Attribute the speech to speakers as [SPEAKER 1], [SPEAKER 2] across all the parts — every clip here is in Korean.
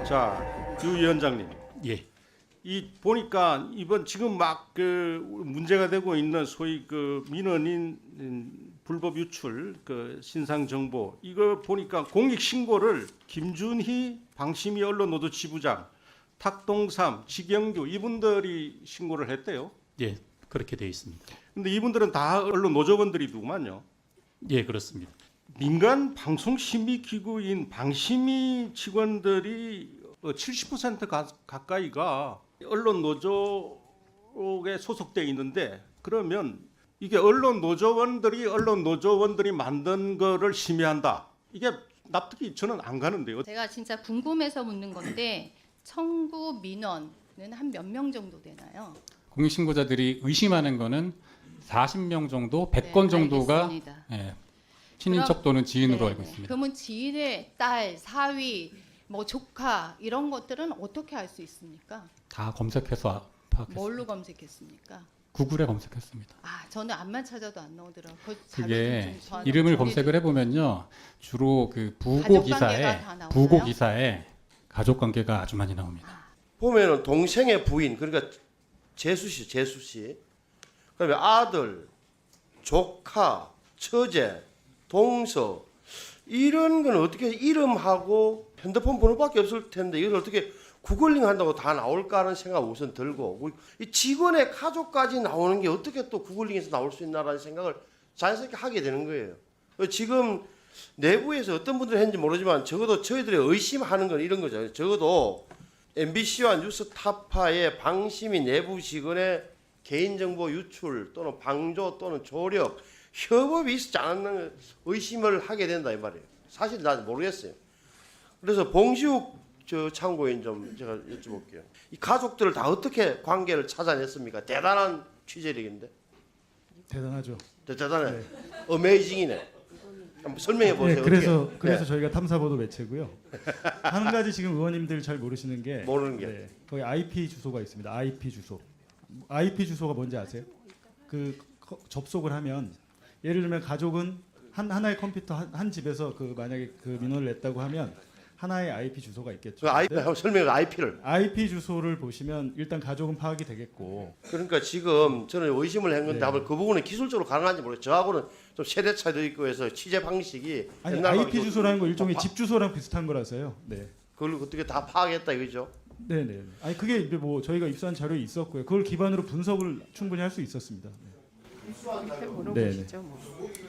[SPEAKER 1] 자, 유 위원장님,
[SPEAKER 2] 예.
[SPEAKER 1] 이 보니까 이번 지금 막 그 문제가 되고 있는 소위 그 민원인 불법 유출 그 신상 정보 이거 보니까 공익 신고를 김준희 방심위 언론노조 지부장, 탁동삼, 지경규 이분들이 신고를 했대요.
[SPEAKER 2] 예. 그렇게 되어 있습니다.
[SPEAKER 1] 근데 이분들은 다 언론 노조원들이더구만요.
[SPEAKER 2] 예, 그렇습니다.
[SPEAKER 1] 민간 방송 심의 기구인 방심위 직원들이 70% 가까이가 언론 노조에 소속돼 있는데 그러면 이게 언론 노조원들이 만든 거를 심의한다. 이게 납득이 저는 안 가는데요.
[SPEAKER 3] 제가 진짜 궁금해서 묻는 건데 청구 민원은 한 몇 명 정도 되나요?
[SPEAKER 4] 공익신고자들이 의심하는 거는 40명 정도, 100건
[SPEAKER 3] 네,
[SPEAKER 4] 정도가
[SPEAKER 3] 알겠습니다.
[SPEAKER 4] 예, 친인척 또는 지인으로 알고 있습니다.
[SPEAKER 3] 그러면 지인의 딸, 사위, 뭐 조카 이런 것들은 어떻게 알 수 있습니까?
[SPEAKER 4] 다 검색해서 파악했습니다.
[SPEAKER 3] 뭘로 검색했습니까?
[SPEAKER 4] 구글에 검색했습니다.
[SPEAKER 3] 아, 저는 암만 찾아도 안 나오더라고요. 그 자료
[SPEAKER 4] 그게
[SPEAKER 3] 좀 저한테
[SPEAKER 4] 이름을
[SPEAKER 3] 정리
[SPEAKER 4] 검색을 해보면요, 주로 그
[SPEAKER 3] 가족 관계가 다 나오나요?
[SPEAKER 4] 부고 기사에 가족 관계가 아주 많이 나옵니다.
[SPEAKER 5] 보면은 동생의 부인 그러니까 재수 씨, 그다음에 아들, 조카, 처제, 동서 이런 건 어떻게 이름하고 핸드폰 번호밖에 없을 텐데 이걸 어떻게 구글링 한다고 다 나올까 하는 생각 우선 들고 이 직원의 가족까지 나오는 게 어떻게 또 구글링에서 나올 수 있나라는 생각을 자연스럽게 하게 되는 거예요. 지금 내부에서 어떤 분들이 했는지 모르지만 적어도 저희들이 의심하는 건 이런 거죠. 적어도 MBC와 뉴스타파의 방심위 내부 직원의 개인정보 유출 또는 방조 또는 조력 협업이 있지 않는 의심을 하게 된다 이 말이에요. 사실 난 모르겠어요. 그래서 봉시욱 참고인 좀 제가 여쭤볼게요. 이 가족들을 다 어떻게 관계를 찾아냈습니까? 대단한 취재력인데.
[SPEAKER 6] 대단하죠.
[SPEAKER 5] 대단해.
[SPEAKER 6] 네.
[SPEAKER 5] 어메이징이네. 한번 설명해 보세요.
[SPEAKER 6] 네, 그래서
[SPEAKER 5] 어떻게?
[SPEAKER 6] 그래서
[SPEAKER 5] 네.
[SPEAKER 6] 저희가 탐사보도 매체고요. 한 가지 지금 의원님들 잘 모르시는 게
[SPEAKER 5] 모르는 게.
[SPEAKER 6] 네, 거기 IP 주소가 있습니다. IP 주소. IP 주소가 뭔지 아세요? 그 접속을 하면 예를 들면 가족은 하나의 컴퓨터 한 집에서 그 만약에 그 민원을 냈다고 하면 하나의 IP 주소가 있겠죠.
[SPEAKER 5] 그 IP 한번 설명해 IP를.
[SPEAKER 6] IP 주소를 보시면 일단 가족은 파악이 되겠고
[SPEAKER 5] 그러니까 지금 저는 의심을 한 건데
[SPEAKER 6] 네.
[SPEAKER 5] 아마 그 부분은 기술적으로 가능한지 모르겠어요. 저하고는 좀 세대 차이도 있고 해서 취재 방식이
[SPEAKER 6] 아니
[SPEAKER 5] 옛날하고
[SPEAKER 6] IP
[SPEAKER 5] 좀-
[SPEAKER 6] 주소라는 거 일종의
[SPEAKER 5] 아,
[SPEAKER 6] 집 주소랑 비슷한 거라서요. 네.
[SPEAKER 5] 그걸 어떻게 다 파악했다 이거죠?
[SPEAKER 6] 네네. 아니 그게 이제 뭐 저희가 입수한 자료에 있었고요. 그걸 기반으로 분석을 충분히 할 수 있었습니다. 네.
[SPEAKER 3] 물어보시죠. 뭐.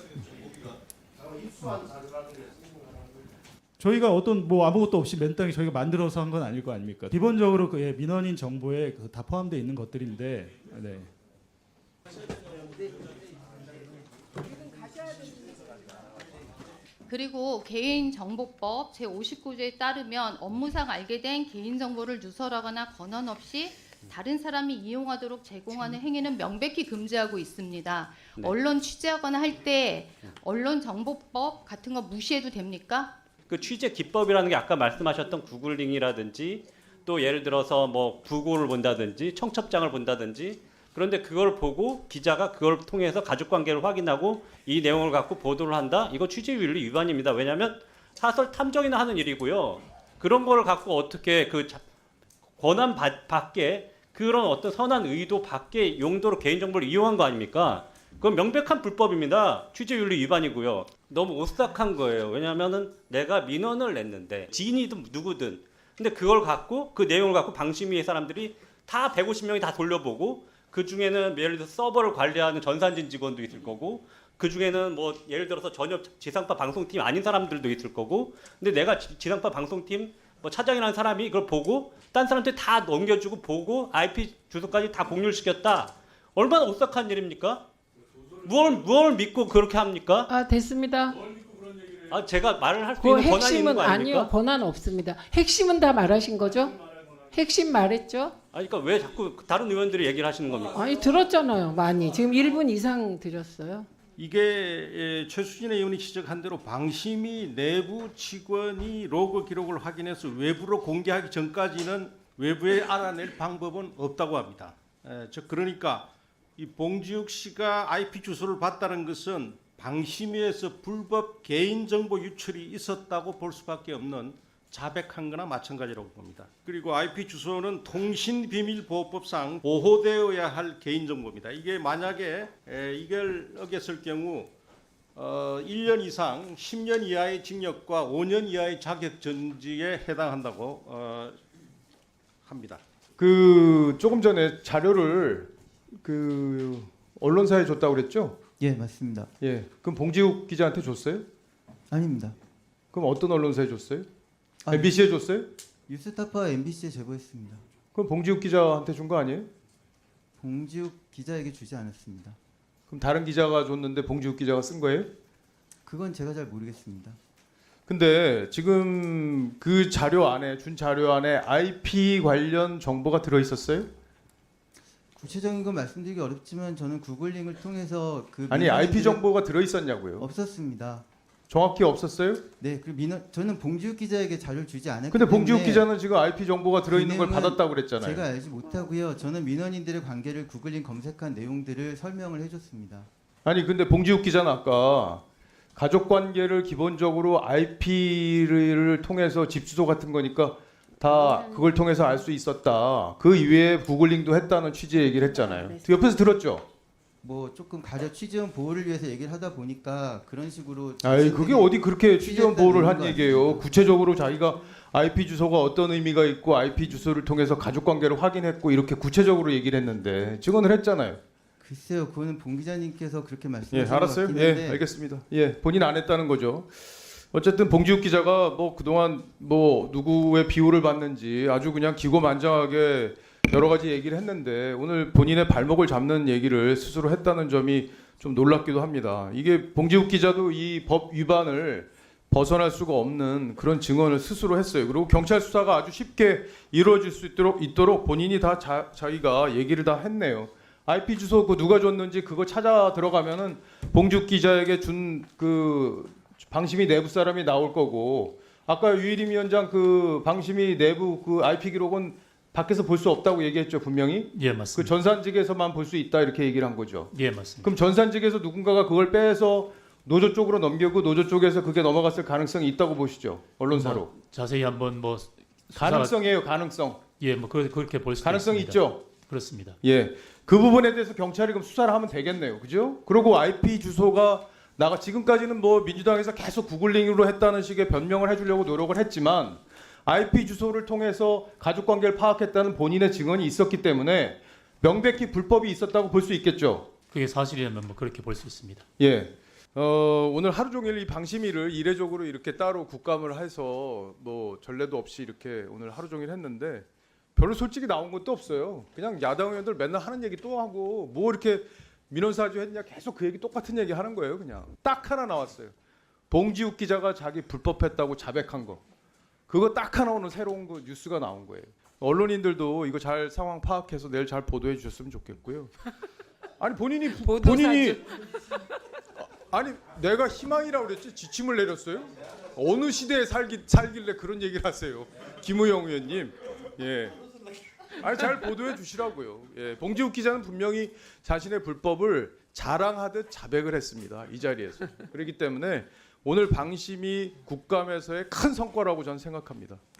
[SPEAKER 6] 저희가 어떤 뭐 아무것도 없이 맨땅에 저희가 만들어서 한 건 아닐 거 아닙니까? 기본적으로 그 민원인 정보에 다 포함되어 있는 것들인데, 네.
[SPEAKER 3] 그리고 개인정보법 제59조에 따르면 업무상 알게 된 개인정보를 누설하거나 권한 없이 다른 사람이 이용하도록 제공하는 행위는 명백히 금지하고 있습니다.
[SPEAKER 2] 네.
[SPEAKER 3] 언론 취재하거나 할 때 언론정보법 같은 거 무시해도 됩니까?
[SPEAKER 7] 그 취재 기법이라는 게 아까 말씀하셨던 구글링이라든지 또 예를 들어서 뭐 부고를 본다든지 청첩장을 본다든지 그런데 그걸 보고 기자가 그걸 통해서 가족관계를 확인하고 이 내용을 갖고 보도를 한다? 이거 취재윤리 위반입니다. 왜냐하면 사설 탐정이나 하는 일이고요. 그런 거를 갖고 어떻게 그 권한 밖에 그런 어떤 선한 의도 밖에 용도로 개인정보를 이용한 거 아닙니까? 그건 명백한 불법입니다. 취재윤리 위반이고요. 너무 오싹한 거예요. 왜냐하면은 내가 민원을 냈는데 지인이든 누구든 근데 그걸 갖고 그 내용을 갖고 방심위의 사람들이 다 150명이 다 돌려보고 그 중에는 예를 들어서 서버를 관리하는 전산진 직원도 있을 거고 그 중에는 뭐 예를 들어서 전혀 지상파 방송팀 아닌 사람들도 있을 거고 근데 내가 지상파 방송팀 뭐 차장이라는 사람이 이걸 보고 딴 사람한테 다 넘겨주고 보고 IP 주소까지 다 공유를 시켰다. 얼마나 오싹한 일입니까? 무엇을 믿고 그렇게 합니까?
[SPEAKER 8] 아 됐습니다.
[SPEAKER 7] 아 제가 말을 할 수
[SPEAKER 8] 그
[SPEAKER 7] 있는 권한이 있는
[SPEAKER 8] 핵심은
[SPEAKER 7] 거 아닙니까?
[SPEAKER 8] 아니요 권한 없습니다. 핵심은 다 말하신 거죠? 핵심 말했죠?
[SPEAKER 7] 아니 그러니까 왜 자꾸 다른 의원들이 얘기를 하시는 겁니까?
[SPEAKER 8] 아니 들었잖아요. 많이 지금 1분 이상 드렸어요.
[SPEAKER 1] 이게 최수진 의원이 지적한 대로 방심위 내부 직원이 로그 기록을 확인해서 외부로 공개하기 전까지는 외부에 알아낼 방법은 없다고 합니다. 그러니까 이 봉지욱 씨가 IP 주소를 봤다는 것은 방심위에서 불법 개인정보 유출이 있었다고 볼 수밖에 없는 자백한 거나 마찬가지라고 봅니다. 그리고 IP 주소는 통신비밀보호법상 보호되어야 할 개인정보입니다. 이게 만약에 이걸 어겼을 경우 1년 이상 10년 이하의 징역과 5년 이하의 자격정지에 해당한다고 합니다.
[SPEAKER 9] 그 조금 전에 자료를 그 언론사에 줬다고 그랬죠?
[SPEAKER 10] 예, 맞습니다.
[SPEAKER 9] 예. 그럼 봉지욱 기자한테 줬어요?
[SPEAKER 10] 아닙니다.
[SPEAKER 9] 그럼 어떤 언론사에 줬어요?
[SPEAKER 10] 아니,
[SPEAKER 9] MBC에 줬어요?
[SPEAKER 10] 뉴스타파 MBC에 제보했습니다.
[SPEAKER 9] 그럼 봉지욱 기자한테 준 거 아니에요?
[SPEAKER 10] 봉지욱 기자에게 주지 않았습니다.
[SPEAKER 9] 그럼 다른 기자가 줬는데 봉지욱 기자가 쓴 거예요?
[SPEAKER 10] 그건 제가 잘 모르겠습니다.
[SPEAKER 9] 근데 지금 그 자료 안에 준 자료 안에 IP 관련 정보가 들어 있었어요?
[SPEAKER 10] 구체적인 건 말씀드리기 어렵지만 저는 구글링을 통해서 그
[SPEAKER 9] 아니 IP 정보가 들어 있었냐고요?
[SPEAKER 10] 없었습니다.
[SPEAKER 9] 정확히 없었어요?
[SPEAKER 10] 네, 그 저는 봉지욱 기자에게 자료를 주지 않았기
[SPEAKER 9] 근데
[SPEAKER 10] 때문에
[SPEAKER 9] 봉지욱 기자는 지금 IP 정보가 들어 있는 걸
[SPEAKER 10] 그 내용은
[SPEAKER 9] 받았다고 그랬잖아요.
[SPEAKER 10] 제가 알지 못하고요. 저는 민원인들의 관계를 구글링 검색한 내용들을 설명을 해줬습니다.
[SPEAKER 9] 아니 근데 봉지욱 기자는 아까 가족 관계를 기본적으로 IP를 통해서 집 주소 같은 거니까 다 그걸 통해서 알 수 있었다. 그 이외에 구글링도 했다는 취지의 얘기를 했잖아요. 옆에서 들었죠?
[SPEAKER 10] 뭐 조금 가족 취재원 보호를 위해서 얘기를 하다 보니까 그런 식으로
[SPEAKER 9] 아이 그게 어디 그렇게 취재원 보호를 한
[SPEAKER 10] 것
[SPEAKER 9] 얘기예요.
[SPEAKER 10] 같습니다.
[SPEAKER 9] 구체적으로 자기가 IP 주소가 어떤 의미가 있고 IP 주소를 통해서 가족 관계를 확인했고 이렇게 구체적으로 얘기를 했는데 증언을 했잖아요.
[SPEAKER 10] 글쎄요, 그거는 봉 기자님께서 그렇게
[SPEAKER 9] 예,
[SPEAKER 10] 말씀하신 것
[SPEAKER 9] 알았어요.
[SPEAKER 10] 같긴
[SPEAKER 9] 예,
[SPEAKER 10] 한데
[SPEAKER 9] 알겠습니다. 예, 본인 안 했다는 거죠. 어쨌든 봉지욱 기자가 뭐 그동안 뭐 누구의 비호를 받는지 아주 그냥 기고만장하게 여러 가지 얘기를 했는데 오늘 본인의 발목을 잡는 얘기를 스스로 했다는 점이 좀 놀랍기도 합니다. 이게 봉지욱 기자도 이 법 위반을 벗어날 수가 없는 그런 증언을 스스로 했어요. 그리고 경찰 수사가 아주 쉽게 이루어질 수 있도록 본인이 다 자기가 얘기를 다 했네요. IP 주소 그 누가 줬는지 그거 찾아 들어가면은 봉지욱 기자에게 준 그 방심위 내부 사람이 나올 거고 아까 유일임 위원장 그 방심위 내부 그 IP 기록은 밖에서 볼 수 없다고 얘기했죠 분명히.
[SPEAKER 2] 예,
[SPEAKER 9] 그
[SPEAKER 2] 맞습니다.
[SPEAKER 9] 전산직에서만 볼 수 있다 이렇게 얘기를 한 거죠.
[SPEAKER 2] 예, 맞습니다.
[SPEAKER 9] 그럼 전산직에서 누군가가 그걸 빼서 노조 쪽으로 넘기고 노조 쪽에서 그게 넘어갔을 가능성이 있다고 보시죠 언론사로.
[SPEAKER 2] 뭐 자세히 한번 뭐
[SPEAKER 9] 가능성이에요 가능성.
[SPEAKER 2] 예, 뭐 그렇게 볼 수
[SPEAKER 9] 가능성이
[SPEAKER 2] 있습니다.
[SPEAKER 9] 있죠.
[SPEAKER 2] 그렇습니다.
[SPEAKER 9] 예, 그 부분에 대해서 경찰이 그럼 수사를 하면 되겠네요, 그죠? 그리고 IP 주소가 나가 지금까지는 뭐 민주당에서 계속 구글링으로 했다는 식의 변명을 해주려고 노력을 했지만 IP 주소를 통해서 가족 관계를 파악했다는 본인의 증언이 있었기 때문에 명백히 불법이 있었다고 볼 수 있겠죠.
[SPEAKER 2] 그게 사실이라면 뭐 그렇게 볼 수 있습니다.
[SPEAKER 9] 예. 오늘 하루 종일 이 방심위를 이례적으로 이렇게 따로 국감을 해서 뭐 전례도 없이 이렇게 오늘 하루 종일 했는데 별로 솔직히 나온 것도 없어요. 그냥 야당 의원들 맨날 하는 얘기 또 하고 뭐 이렇게 민원사주 했냐 계속 그 얘기 똑같은 얘기 하는 거예요. 그냥 딱 하나 나왔어요. 봉지욱 기자가 자기 불법했다고 자백한 거. 그거 딱 하나 오늘 새로운 거 뉴스가 나온 거예요. 언론인들도 이거 잘 상황 파악해서 내일 잘 보도해 주셨으면 좋겠고요. 아니 본인이 아니 내가 희망이라고 그랬지 지침을 내렸어요? 어느 시대에 살길래 그런 얘기를 하세요? 김우영 의원님. 예. 아니 잘 보도해 주시라고요. 예. 봉지욱 기자는 분명히 자신의 불법을 자랑하듯 자백을 했습니다. 이 자리에서. 그렇기 때문에 오늘 방심이 국감에서의 큰 성과라고 저는 생각합니다.